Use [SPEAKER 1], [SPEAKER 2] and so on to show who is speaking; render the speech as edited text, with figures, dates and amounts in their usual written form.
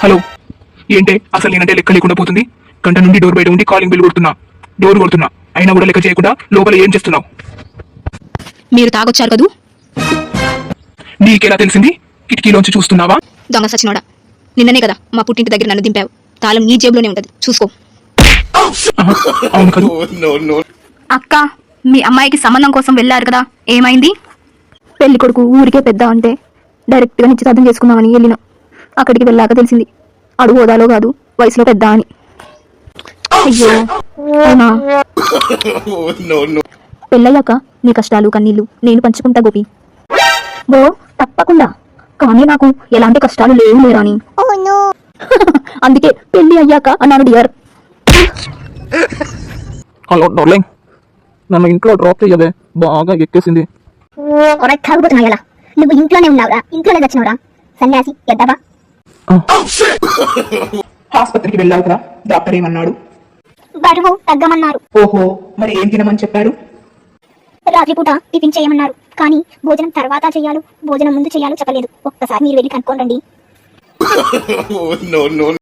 [SPEAKER 1] Hello, ఏంటే అసలు నేనంటే లెక్క లేకుండా పోతుంది. గంట నుండి డోర్ బయట ఉండి కాలింగ్ బిల్ కొడుతున్నా, డోర్ కొడుతున్నా, అయినా కూడా లెక్క చేయకుండా లోపల ఏం చేస్తున్నావు?
[SPEAKER 2] మీరు తాగొచ్చారు కదూ?
[SPEAKER 1] నీకెలా తెలిసింది? కిటికీలోంచి చూస్తున్నావా?
[SPEAKER 2] దొంగ సచినోడా, నిన్ననే కదా మా పుట్టింటి దగ్గర నన్ను దింపావు. తాళం నీ జేబులోనే ఉంటది, చూసుకో.
[SPEAKER 1] అవును కదూ.
[SPEAKER 2] అక్క, మీ అమ్మాయికి సంబంధం కోసం వెళ్ళారు కదా, ఏమైంది? పెళ్లి కొడుకు ఊరికే పెద్ద అంటే డైరెక్ట్ గా నిశ్చితార్థం చేసుకుందామని వెళ్ళిన. అక్కడికి వెళ్ళాక తెలిసింది అడుగు హోదాలో కాదు, వయసులో పెద్ద అని. అయ్యో అవునా? పెళ్ళయ్యాక నీ కష్టాలు కన్నీళ్లు నేను పంచుకుంటా గోపి. ఓ తప్పకుండా, కానీ నాకు ఎలాంటి కష్టాలు లేవు లేరాని. అందుకే పెళ్లి అయ్యాక అన్నాను డియర్.
[SPEAKER 1] హలో డార్లింగ్, నన్ను ఇంట్లో డ్రాప్ చేయవే, బాగా ఎక్కేసింది.
[SPEAKER 3] తాగుబోతున్నాయలా, నువ్వు ఇంట్లోనే ఉన్నావురా, ఇంట్లోనే తెచ్చినవురా సన్యాసి ఎద్దవా.
[SPEAKER 1] ఆసుపత్రికి వెళ్ళావు కదా, డాక్టర్ ఏమన్నాడు?
[SPEAKER 3] బరువు తగ్గమన్నారు.
[SPEAKER 1] ఓహో, మరి ఏం తినమని చెప్పారు?
[SPEAKER 3] రాత్రిపూట టిఫిన్ చేయమన్నారు, కానీ భోజనం తర్వాత చేయాలో భోజనం ముందు చేయాలో చెప్పలేదు. ఒక్కసారి మీరు వెళ్ళి కనుక్కోండి.